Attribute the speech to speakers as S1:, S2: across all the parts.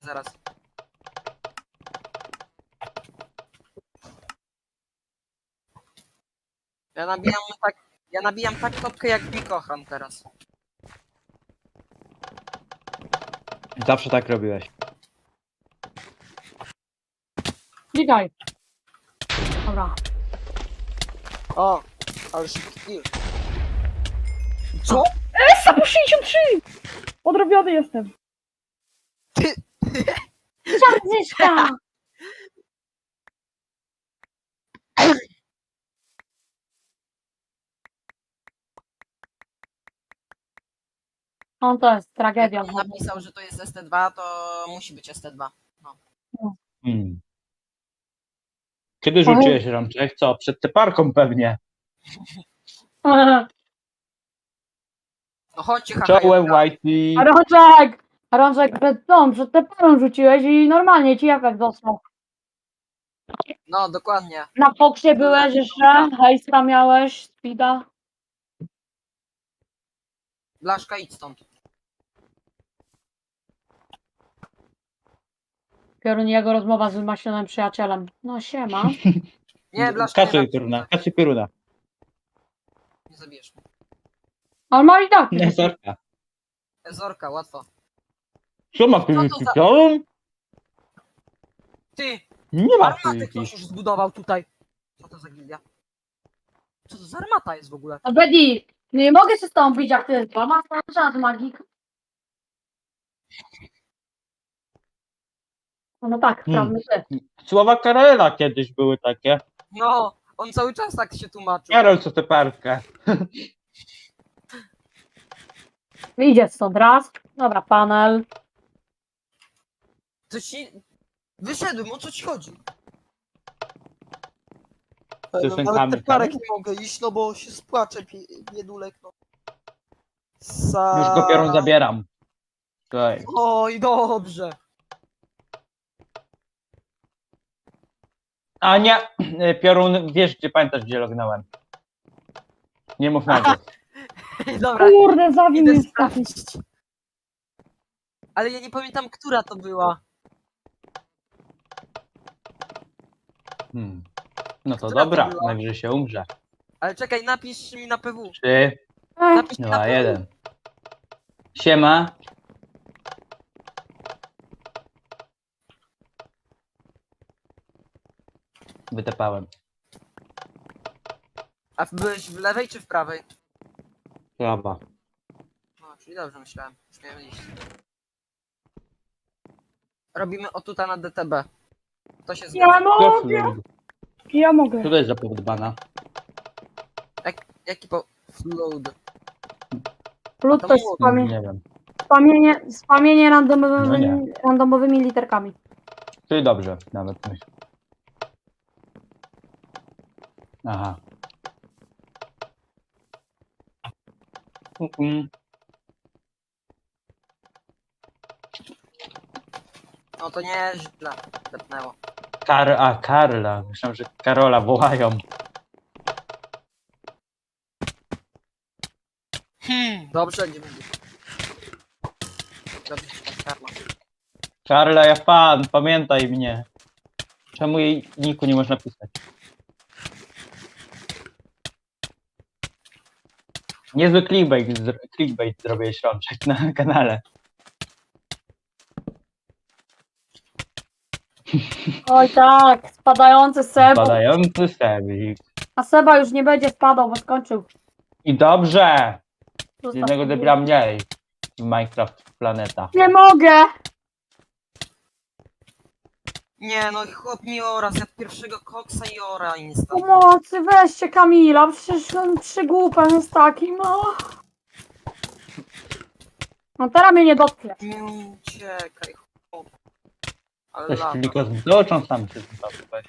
S1: zaraz. Ja nabijam tak topkę jak mi kocham teraz.
S2: Zawsze tak robiłeś.
S3: Klikaj. Dobra.
S1: O, ale szybki kill. Co?
S3: Esa po 63! Odrobiony jestem.
S1: Ty.
S3: Czarzyszka! On to jest tragedia.
S1: Jak on napisał, że to jest ST2, to musi być ST2.
S2: Hmm. Kiedy rzuciłeś rączek? Co? Przed teparką pewnie.
S1: No chodźcie,
S2: Czołem,
S1: haha.
S2: Whitey.
S3: Rączek! Rączek przed tę parą rzuciłeś i normalnie ci efekt dostał.
S1: No, dokładnie.
S3: Na Foxie byłeś jeszcze, hejstra miałeś, speeda.
S1: Blaszka, idź stąd.
S3: Piorun, jego rozmowa z wymaślonym przyjacielem. No siema.
S1: Nie, Blaszka,
S2: Kasuj pioruna, kasuj pioruna.
S1: nie zabijesz mnie.
S3: Ale ma i tak.
S2: Nie, Zorka.
S1: Zorka, łatwo.
S2: Co ma
S1: Co to za-
S2: PvP?
S1: Ty,
S2: Nie ma
S1: armatę
S2: PvP.
S1: ktoś już zbudował tutaj. Co to za gildia? Co to za armata jest w ogóle?
S3: A Bedi, nie mogę się z tobą bić jak ty. Masz czas magik. No tak, sprawmy się.
S2: Słowa Karola kiedyś były takie.
S1: No, on cały czas tak się tłumaczył.
S2: Karol, co teparkę.
S3: Idzie stąd raz. Dobra, panel.
S1: To ci... Wyszedłem, o co ci chodzi?
S2: Piosenkami,
S1: Nawet te parek
S2: tak?
S1: nie mogę iść, no bo się spłaczę, biedulek, no.
S2: Już go piorun zabieram. Słuchaj.
S1: Oj, dobrze.
S2: A nie, piorun, wiesz gdzie, pamiętasz gdzie lognąłem. Nie mów na to.
S1: Dobra,
S3: Kurde, zabił
S1: idę
S3: mnie
S1: sprawdzić. Ale ja nie pamiętam, która to była.
S2: No to
S1: Która to
S2: dobra,
S1: była?
S2: najwyżej się umrze.
S1: Ale czekaj, napisz mi na PW.
S2: 3,
S1: Napisz mi na
S2: 2,
S1: PW.
S2: 1. Siema. Wytepałem.
S1: A byłeś w lewej czy w prawej?
S2: Prawa.
S1: No, czyli dobrze myślałem. Już miałem iść. Robimy o tutaj na DTB. To się zgadza.
S3: Ja mogę. Ja mogę.
S2: Co to jest za powód-bana?
S1: Jaki po... Flood.
S3: Plus to jest
S2: Nie wiem.
S3: spamienie
S2: No
S3: randomowymi literkami.
S2: Ty dobrze, nawet myślę. Aha.
S1: No to nieźle. Tepnęło.
S2: Karla. Myślałem, że Karola wołają.
S1: Dobrze, nie będzie. Dobrze, tak, karma.
S2: Karla, ja fan, pamiętaj mnie. Czemu jej niku nie można pisać? Niezły clickbait zrobiłeś rączek na kanale.
S3: Oj tak, spadający Seba.
S2: Badający Sebik.
S3: A Seba już nie będzie spadał, bo skończył.
S2: I dobrze!
S3: Zostaw
S2: Jednego
S3: sobie.
S2: debila mniej w Minecraft Planeta.
S3: Nie mogę!
S1: Nie no, chłop mi ora, zjadł pierwszego koksa i ora insta.
S3: Pomocy, weźcie Kamila, przecież on przygłupem jest taki, no. No teraz mnie nie dotknie.
S1: Nie uciekaj, chłop. Ale
S2: Też
S1: lata.
S2: tylko z doczą sam się zobaczyłem.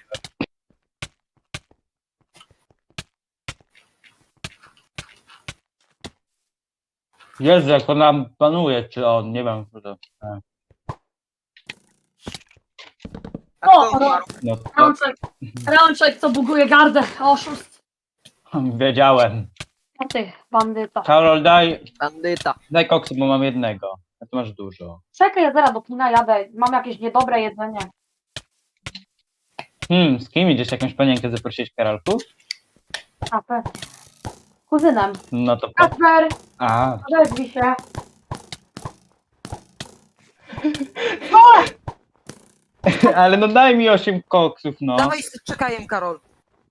S2: Jezu, jak on nam panuje, czy on, nie wiem. Że to,
S1: A kto
S3: O,
S1: umarł?
S2: no to
S3: Rączek, co buguje gardę, oszust.
S2: wiedziałem.
S3: A ty, bandyta.
S2: Karol, daj
S1: Bandyta.
S2: koksy, bo mam jednego. Ty masz dużo.
S3: Czekaj, ja zaraz do kina jadę. Mam jakieś niedobre jedzenie.
S2: Z kim idziesz? Jakąś panienkę zaprosić, Karolku?
S3: A, pewnie. Kuzynem.
S2: No to...
S3: Kasper,
S2: A,
S3: odezwij się. O!
S2: ale no daj mi 8 koksów, no.
S1: Dawaj z czekajem, Karol.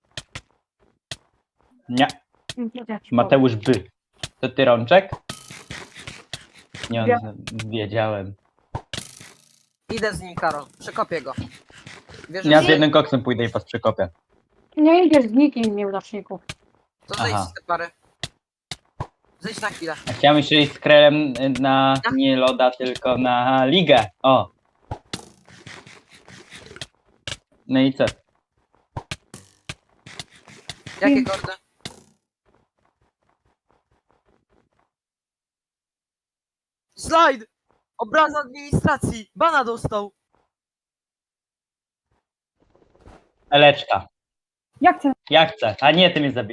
S2: Nie,
S3: Ja ci powiem.
S2: Mateusz by. To ty, Rączek? Nie,
S3: Ja.
S2: wiedziałem.
S1: Idę z nim, Karol. Przekopię go. Wierzysz
S2: Ja
S1: mi?
S2: z jednym koksem pójdę i was przekopię.
S3: Nie idziesz z nikim, nieudaczniku.
S1: To zejdź
S2: Aha.
S1: z te pary. Zejdź na chwilę.
S2: A chciałem jeszcze iść z Krelem na nie loda, tylko na ligę. O. No i co?
S1: Jakie kordy? Slajd! Obraza administracji! Bana dostał!
S2: Eleczka.
S3: Jak chcę?
S2: Ja chcę. A nie, ty mnie zabij.